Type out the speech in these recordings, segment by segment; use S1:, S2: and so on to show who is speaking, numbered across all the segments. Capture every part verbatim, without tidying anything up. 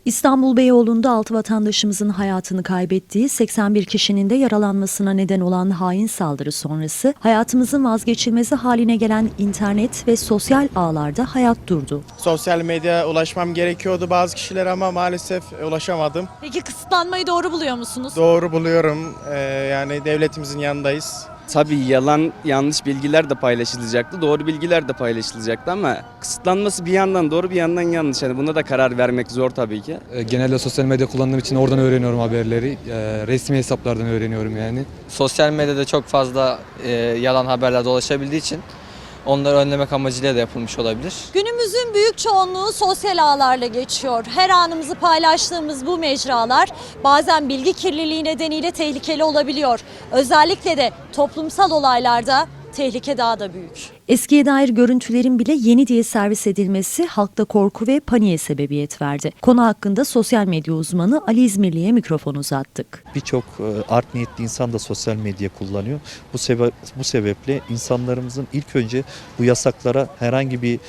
S1: İstanbul Beyoğlu'nda altı vatandaşımızın hayatını kaybettiği, seksen bir kişinin de yaralanmasına neden olan hain saldırı sonrası hayatımızın vazgeçilmezi haline gelen internet ve sosyal ağlarda hayat durdu.
S2: Sosyal medyaya ulaşmam gerekiyordu bazı kişilere ama maalesef ulaşamadım.
S3: Peki kısıtlanmayı doğru buluyor musunuz?
S2: Doğru buluyorum. Ee, yani devletimizin yanındayız.
S4: Tabii yalan, yanlış bilgiler de paylaşılacaktı, doğru bilgiler de paylaşılacaktı ama kısıtlanması bir yandan doğru bir yandan yanlış. Yani buna da karar vermek zor tabii ki.
S5: Genelde sosyal medya kullandığım için oradan öğreniyorum haberleri. Resmi hesaplardan öğreniyorum yani.
S6: Sosyal medyada çok fazla e, yalan haberler dolaşabildiği için onları önlemek amacıyla da yapılmış olabilir.
S3: Günümüzün büyük çoğunluğu sosyal ağlarla geçiyor. Her anımızı paylaştığımız bu mecralar bazen bilgi kirliliği nedeniyle tehlikeli olabiliyor. Özellikle de toplumsal olaylarda tehlike daha da büyük.
S1: Eskiye dair görüntülerin bile yeni diye servis edilmesi halkta korku ve paniğe sebebiyet verdi. Konu hakkında sosyal medya uzmanı Ali İzmirli'ye mikrofon uzattık.
S7: Birçok art niyetli insan da sosyal medya kullanıyor. Bu sebe bu sebeple insanlarımızın ilk önce bu yasaklara herhangi bir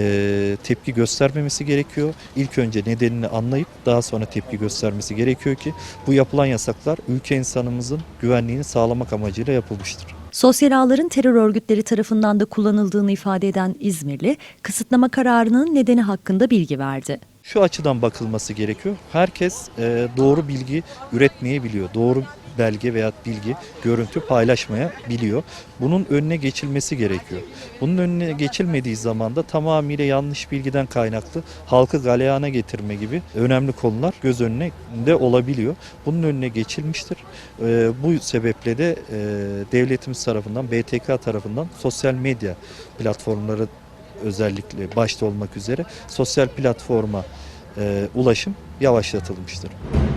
S7: e, tepki göstermemesi gerekiyor. İlk önce nedenini anlayıp daha sonra tepki göstermesi gerekiyor ki bu yapılan yasaklar ülke insanımızın güvenliğini sağlamak amacıyla yapılmıştır.
S1: Sosyal ağların terör örgütleri tarafından da kullanıldığını ifade eden İzmirli, kısıtlama kararının nedeni hakkında bilgi verdi.
S7: Şu açıdan bakılması gerekiyor. Herkes e, doğru bilgi üretmeyebiliyor. Doğru belge veya bilgi, görüntü paylaşmayabiliyor. Bunun önüne geçilmesi gerekiyor. Bunun önüne geçilmediği zaman da tamamıyla yanlış bilgiden kaynaklı halkı galeyana getirme gibi önemli konular göz önünde olabiliyor. Bunun önüne geçilmiştir. E, bu sebeple de e, devletimiz tarafından, B T K tarafından sosyal medya platformları özellikle başta olmak üzere sosyal platforma e, ulaşım yavaşlatılmıştır.